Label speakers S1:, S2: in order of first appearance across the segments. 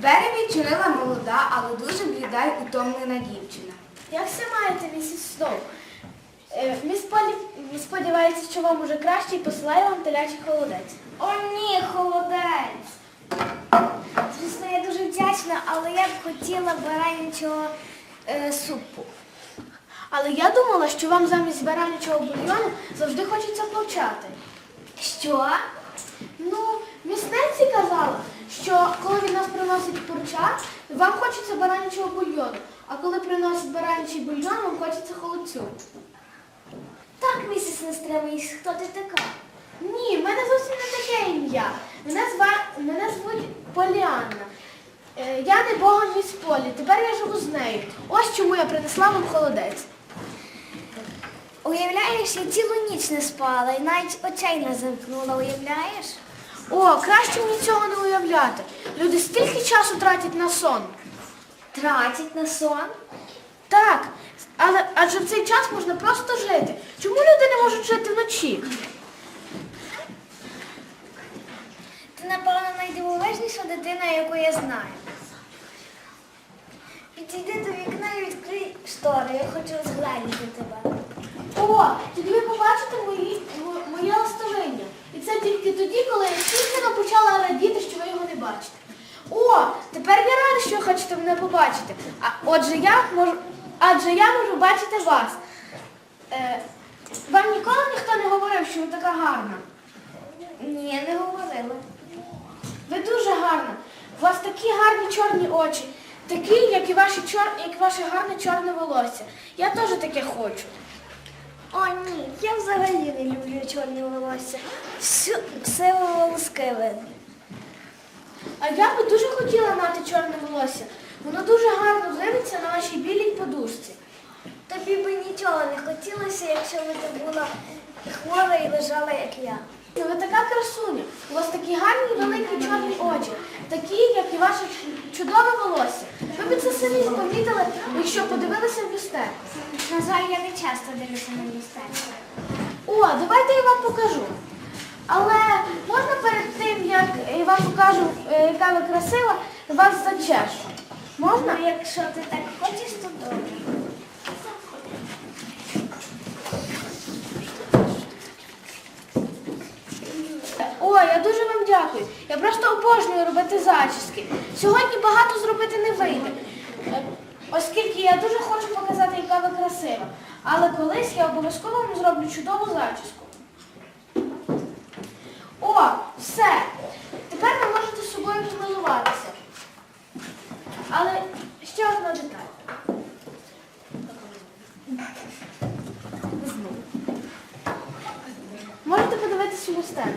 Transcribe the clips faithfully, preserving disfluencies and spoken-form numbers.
S1: Двері відчинила молода, але дуже бліда й утомлена дівчина.
S2: Як все маєте, місіс Сноу? Е, Міс Полі сподівається, що вам уже краще і посилає вам телячий холодець.
S3: О, ні, холодець. Звісно, я дуже вдячна, але я б хотіла баранячого е, супу.
S2: Але я думала, що вам замість баранячого бульйону завжди хочеться повчати.
S3: Що?
S2: Ну, міс Ненсі казала, що коли від нас приносять курча, вам хочеться баранячого бульйону, а коли приносять баранячий бульйон, вам хочеться холодцю.
S3: Так, місіс Нестреміс, хто ти така?
S2: Ні, в мене зовсім не таке ім'я. Мене, зва... мене звуть Поліанна. Е, я не бога міс Полі, тепер я живу з нею. Ось чому я принесла вам холодець.
S3: Уявляєш, я цілу ніч не спала і навіть очей не замкнула, уявляєш?
S2: О, краще мені цього не уявляти. Люди стільки часу тратять на сон.
S3: Тратять на сон?
S2: Так, але адже в цей час можна просто жити. Чому люди не можуть жити вночі?
S3: Ти, напевно, найдивовижніша дитина, яку я знаю. Підійди до вікна і відкрий штори, я хочу розглянути тебе.
S2: О, тоді ви побачите мої, мо- моє ластовиння. І це тільки тоді, коли я тільки почала радіти, що ви його не бачите. О, тепер я рада, що ви хочете мене побачити. А отже, я можу, адже я можу бачити вас. Е, вам ніколи ніхто не говорив, що ви така гарна?
S3: Ні, не говорила.
S2: Ви дуже гарна. У вас такі гарні чорні очі, такі, як і, ваші чор... як і ваше гарне чорне волосся. Я теж таке хочу.
S3: О, ні, я взагалі не люблю чорні волосся. Всю, все волоски видно.
S2: А я би дуже хотіла мати чорне волосся. Воно дуже гарно дивиться на вашій білій подушці.
S3: Тобі би нічого не хотілося, якщо б ти була хвора і лежала, як я.
S2: Ну, ви така красуня. У вас такі гарні великі чорні очі, такі, як і ваше ч- чудове волосся. Ви б це самі помітили, якщо подивилися в люстерку.
S3: На жаль, я не часто дивлюся на люстерку.
S2: О, давайте я вам покажу. Але можна перед тим, як я вам покажу, е, яка ви красива, вас зачешу. Можна?
S3: Ну, якщо ти так хочеш, то добре.
S2: О, я дуже вам дякую. Я просто обожнюю робити зачіски. Сьогодні багато зробити не вийде, е, оскільки я дуже хочу показати, яка ви красива. Але колись я обов'язково вам зроблю чудову зачіску. О, все. Тепер ви можете з собою помилуватися. Але ще одна деталь. Можете подивитися в люстерку.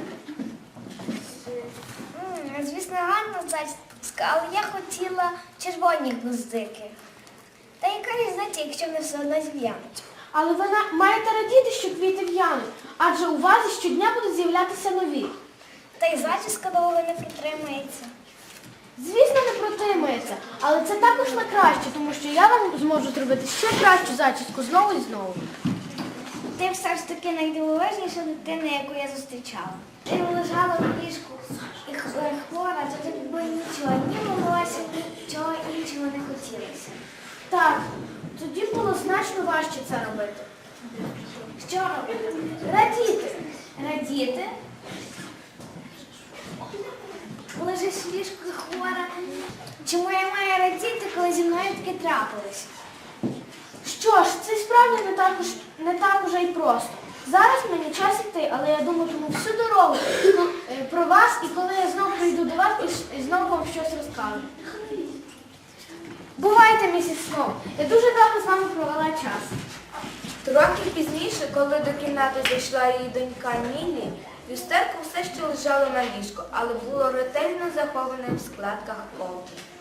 S3: М, Звісно, гарна зачіска, але я хотіла червоні гвоздики. Та яка різниця, якщо вони все одно зів'януть?
S2: Але ви на- маєте радіти, що квіти в'януть, адже у вазі щодня будуть з'являтися нові.
S3: Та й зачіска довго не протримається.
S2: Звісно, не протримається, але це також на краще, тому що я вам зможу зробити ще кращу зачіску знову і знову.
S3: Ти все ж таки найдивовижніша дитина, яку я зустрічала. Ти лежала в ліжку і х- хвора, то тобі було нічого, ні волосся, нічого іншого не хотілося.
S2: Так, тоді було значно важче це робити.
S3: Що робити?
S2: Радіти.
S3: Радіти? Лежиш в ліжку і хвора. Чому я маю радіти, коли зі мною таке трапилось?
S2: Що ж, це справді не так, уж, не так уже й просто. Зараз мені час іти, але я думатиму всю дорогу ну, е, про вас, і коли я знову прийду до вас, і, ш- і знову вам щось розкажу. Бувайте, місіс Сноу. Я дуже добре з вами провела час.
S1: Трохи пізніше, коли до кімнати зайшла її донька Міллі, люстерко все ще лежало на ліжку, але було ретельно заховане в складках ковдри.